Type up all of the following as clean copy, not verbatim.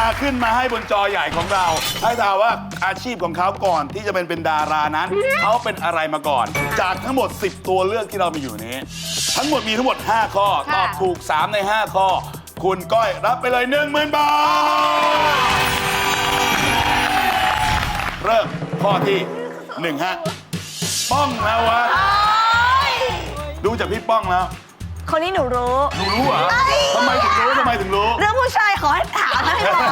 ขึ้นมาให้บนจอใหญ่ของเราให้ถามว่าอาชีพของเขาก่อนที่จะเป็นดารานั้นเขาเป็นอะไรมาก่อน จากทั้งหมด 10 ตัวเลือกที่เรามีอยู่นี้ ทั้งหมดมีทั้งหมด 5 ข้อตอบถูก 3 ใน 5 ข้อ คุณก้อยรับไปเลย 10,000 บาท เริ่มข้อที่1ฮะป้องนวัดดูจากพี่ป้องแล้วคนนี้หนูรู้หนูรู้เหรอทำไมถึงรู้ทำไมถึงรู้เรื่องผู้ชายขอให้ถามให้บอก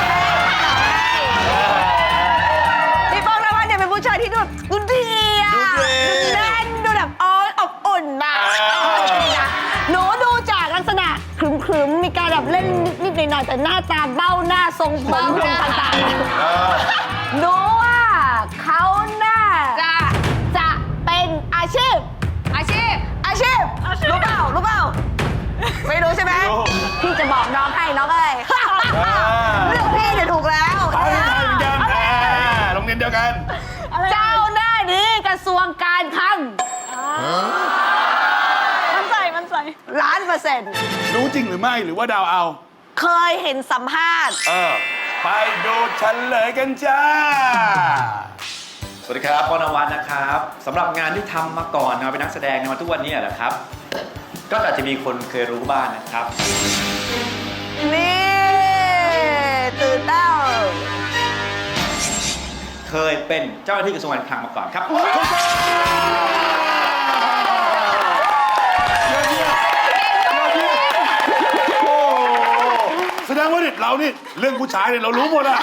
พี่ป้องนวัดเนี่ยเป็นผู้ชายที่ดูดีอ่ะดูดีแน่นดูแบบอบอุ่นนะหนูดูจากลักษณะขรึมๆมีการแบบเล่นนิดๆหน่อยๆแต่หน้าตาเบ้าหน้าทรงผมต่างๆหนูว่าเขาน่าจะเป็นอาชีพรู้เปล่าไม่รู้ใช่ไหมพี่จะบอกน้องให้น้องเอ้ยเรื่องพี่เนี่ยถูกแล้วไปเหมือนกันโรงเรียนเดียวกันเจ้าหน้าที่กระทรวงการคลังมันใส่1,000,000% รู้จริงหรือไม่หรือว่าเดาวเอาเคยเห็นสัมภาษณ์ไปดูเฉลยกันจ้าสวัสดีครับป้องนวัดนะครับสำหรับงานที่ทำมาก่อนมาเป็นนักแสดงมาทุกวันนี้แหละครับ ก็อาจจะมีคนเคยรู้บ้างนะครับนี่ตื่นเต้าเคยเป็นเจ้าหน้าที่กระทรวงการคลังมาก่อนครับแสดงว่าเรานี่เรื่องผู้ชายเนี่ยเรารู้หมดอะ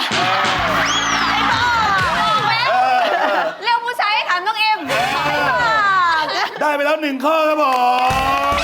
เรื่องผู้ชายให้ถามน้องเอ็มได้ไปแล้ว1 ข้อครับผม